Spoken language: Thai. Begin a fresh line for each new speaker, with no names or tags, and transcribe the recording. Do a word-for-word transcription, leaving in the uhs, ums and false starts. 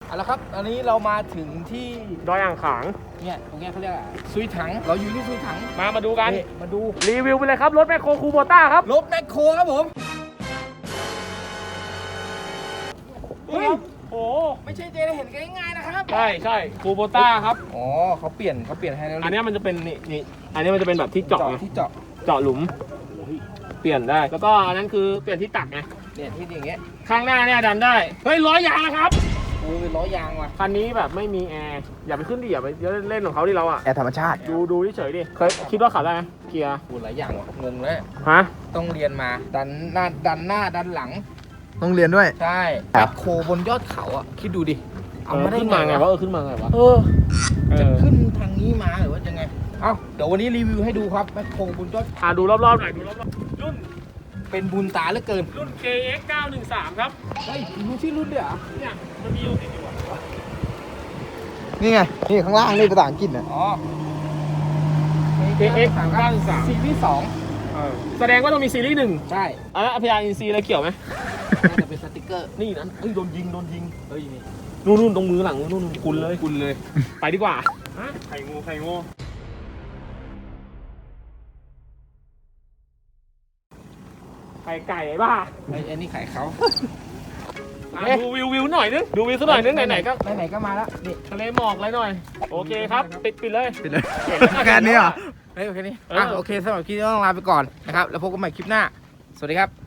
เอาละครับตอนนี้เรามาถึงที่
ดอยอ่างขาง
เนี่ยตรงเนี้ยเขาเรียกอะไรซุยถังเราอยู่ที่ซุยถัง
มามาดูกัน
นี่มาดู
รีวิวไปเลยครับรถแมคโครคูโบต้าครับ
รถแมคโครครับผมเฮ้ย
โอ้
ไม่ใช่เจได้เห็นกันง่ายๆนะครับ
ใช่ใช่คูโบต้าครับ
อ๋อเขาเปลี่ยนเขาเปลี่ยนให้แล้ว
อันนี้มันจะเป็นนี่นี่อันนี้มันจะเป็นแบบที่เจาะไง
ที่เจาะ
เจาะหลุมเปลี่ยนได้แล้วก็อันนั้นคือเปลี่ยนที่ตักไง
เนี่ยที่อย่างเงี้ย
ข้างหน้าเนี่ยดันได้เฮ้ยร้อยยางนะครับ
โอ้เป็นล้อยางว่ะ
คันนี้แบบไม่มีแอร์อย่าไปขึ้นดิอย่าไปเล่นของเขาดิเราอะ
แอร์ธรรมชาติ
ดูดูเฉยๆดิเคยคิดว่าขับได้ไหมเกียร์
โอ้หลายอย่างว่ะงงเลย
ฮะ
ต้องเรียนมาดันหน้าดันหน้าดันหลัง
ต้องเรียนด้วย
ใช่
ค
แม
รับ
คโครบนยอดเขาอ่ะคิดดูดิเอา
เออ
มาได้
ขึ้นมาไงวะเออขึ้นมาไงวะ
เออ
เอ
จะ
อ
ขึ้นทางนี้มาหรือว่าจะไงเอ้าเดี๋ยววันนี้รีวิวให้ดูครับแมคโครบนยอด
อ่าดูรอบๆหน่อยดูรอบๆรุ่น
เป็นบุญตาเหลือเกิน
รุ่น เค เอ็กซ์ เก้าหนึ่งสาม ครับ
เฮ้ยรู้ชื่อรุ่นด้วยเหรอ
เนี่ยมันมีอยู่ติดอยู่อะ
นี่ไง นี่ข้างล่างนี่ภาษาอังกฤษนะ
อ๋อ
เค เอ็กซ์ เก้าหนึ่งสาม
ซีรีส์สอง
เออแสดงว่าต้องมีซีรีส์หนึ่ง
ใช่
อ่ะแล้วพยาอินซีอะไรเกี่ยวไหม
น่าจะเป็นสติกเกอร์
นี่นั้นเฮ้ยโดนยิงโดนยิง
เฮ้ยนี่
นู่นนู่นตรงมือหลังนู่นนู่นคุณเลย
คุณเลย
ไปดีกว่าฮะไข่งูไข่งูไข่ไก่ไอ้บ้า
ไอ้ไอ้นี่ขายเขา
อ่ะดูวิววิวหน่อยนึงดูวิวสักหน่อยนึงไหนๆก็
ไหนๆก็มาแล้วนี่
ทะเลหมอกอะไรหน่อยโอเคครับปิดปิดเลย
ปิดเลย แค่นี้เหรอ
เฮ้ยโอเคนี่
เอออ่
อ่ะโอเคสำหรับคลิปนี้ต้องลาไปก่อนนะครับแล้วพบกันใหม่คลิปหน้าสวัสดีครับ